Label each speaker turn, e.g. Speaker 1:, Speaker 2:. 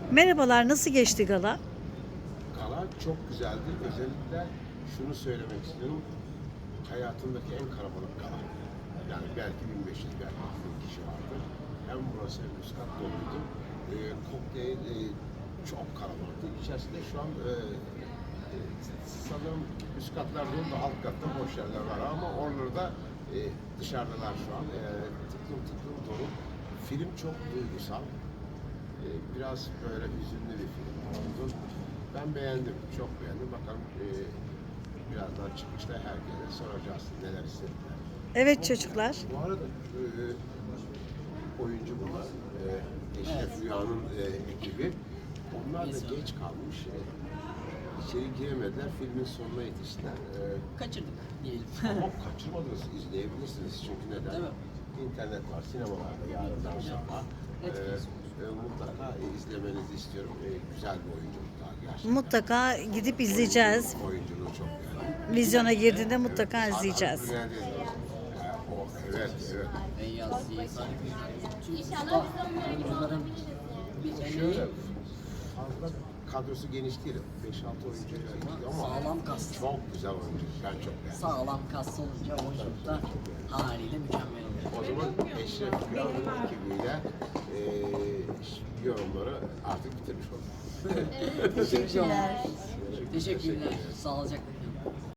Speaker 1: Merhabalar, nasıl geçti gala?
Speaker 2: Gala çok güzeldi. Özellikle şunu söylemek istiyorum. Hayatımdaki en kalabalık gala. Yani belki 1500, belki 2000 kişi vardı. Hem burası hem üst kat doluydu. Kokteyl çok kalabalıktı. İçerisinde şu an sanırım üst katlar dolu da alt katta boş yerler var ama oraları da dışarıdalar şu an. Tıklım tıklım dolu. Film çok duygusal. Biraz böyle hüzünlü bir film oldu. Ben beğendim, çok beğendim. Bakalım birazdan çıkışta herkese soracağız neler istediler.
Speaker 1: Evet çocuklar.
Speaker 2: Bu arada oyuncu bunlar. Eşref Rüya'nın ekibi. Onlar da geç kalmış. İçeri giremediler. Filmin sonuna yetiştiler.
Speaker 3: Kaçırdık diyelim.
Speaker 2: Ama kaçırmadınız, izleyebilirsiniz. Çünkü neden?
Speaker 3: Değil mi?
Speaker 2: İnternet var, sinemalarda yarından sabah.
Speaker 3: Netflix.
Speaker 2: Mutlaka izlemenizi istiyorum. Güzel bir oyunculuk daha gerçekten.
Speaker 1: Mutlaka gidip izleyeceğiz.
Speaker 2: Oyunculuğu çok güzel.
Speaker 1: Vizyona girdiğinde mutlaka izleyeceğiz.
Speaker 2: Evet, evet.
Speaker 3: Beyaz, Yekar, tüm usta oyuncuların bir
Speaker 2: Şöyle
Speaker 3: emeği
Speaker 2: fazla kadrosu geniş değil. 5-6 oyuncuyla ilgili ama
Speaker 3: sağlam kas.
Speaker 2: çok güzel oyuncu. Ben çok beğendim.
Speaker 3: Sağlam kas olunca oyunculuk da haliyle mükemmel oluyor.
Speaker 2: O zaman Eşref Rüya'nın ekibiyle yorumları artık bitirmiş olduk.
Speaker 3: Teşekkürler. Teşekkürler. Sağlıcakla kalın.